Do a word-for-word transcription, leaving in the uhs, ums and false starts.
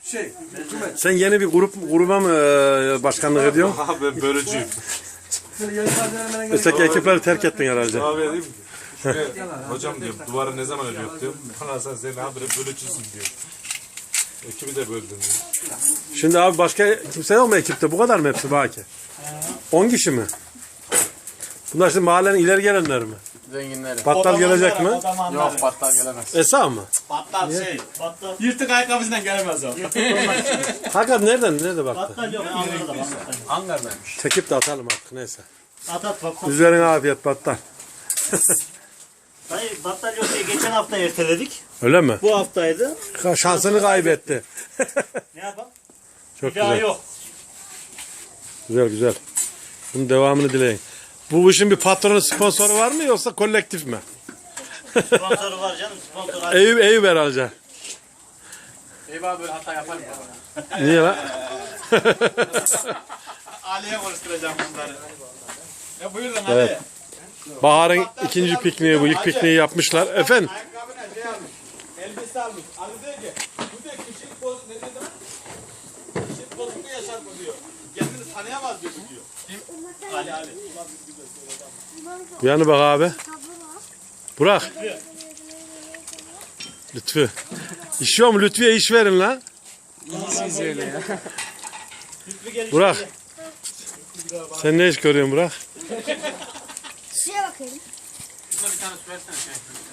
Şey, hükümet. Sen yeni bir grup gruba mı e, başkanlık ediyorsun? Aha ben bölücüyüm. Öteki ekipleri terk ettin herhalde. Abi dedim ki, şuraya, hocam diyorum duvarı ne zaman örüyor diyorum. Bana sen senin habire bölücüsün diyor. Ekibi de böldün diyor. Şimdi abi başka kimse yok mu ekipte? Bu kadar mı hepsi Baki? on kişi mi? Bunlar şimdi mahallenin ileri gelenler mi? Zenginleri. Battal gelecek mi? Yok battal gelemez. Esa mı? Battal şey. Battal. Yırtık ayakkabısından gelemez o. Hakan nereden? Nerede baktı? Battal yok. Ankara'da battal. Ankara'daymış. Çekip de atalım artık neyse. At at battal. Üzerine afiyet battal. Dayı battal yok diye geçen hafta erteledik. Öyle mi? Bu haftaydı. Şansını kaybetti. Ne yapalım? Çok Bir daha güzel. yok. Güzel güzel. Bunun devamını dileyin. Bu işin bir patronu sponsoru var mı yoksa kolektif mi? Sponsoru var canım. Sponsor. Eyüp Eyüp herhalde. Eyvah böyle hata yapar mı? Niye lan? Ali'ye konuşturacağım bunları. Ya buyurun Evet. Bahar'ın ikinci pikniği bu. İlk pikniği yapmışlar. Efendim? Ayakkabına şey almış. Elbise almış. Ali diyor ki bu diyor kişilik boz ne dedi lan? Kişilik bozukluğu yaşar mı diyor. Kendini tanıyamaz diyor bu diyor. Kim? Ali Ali. Yani bak abi. Burak. Lütfü. İş yok mu? Lütfü'ye iş verin lan. İyisiniz öyle ya. Burak. Sen ne iş görüyorsun Burak? Şuraya bakayım. Şuna bir tane su versene şey.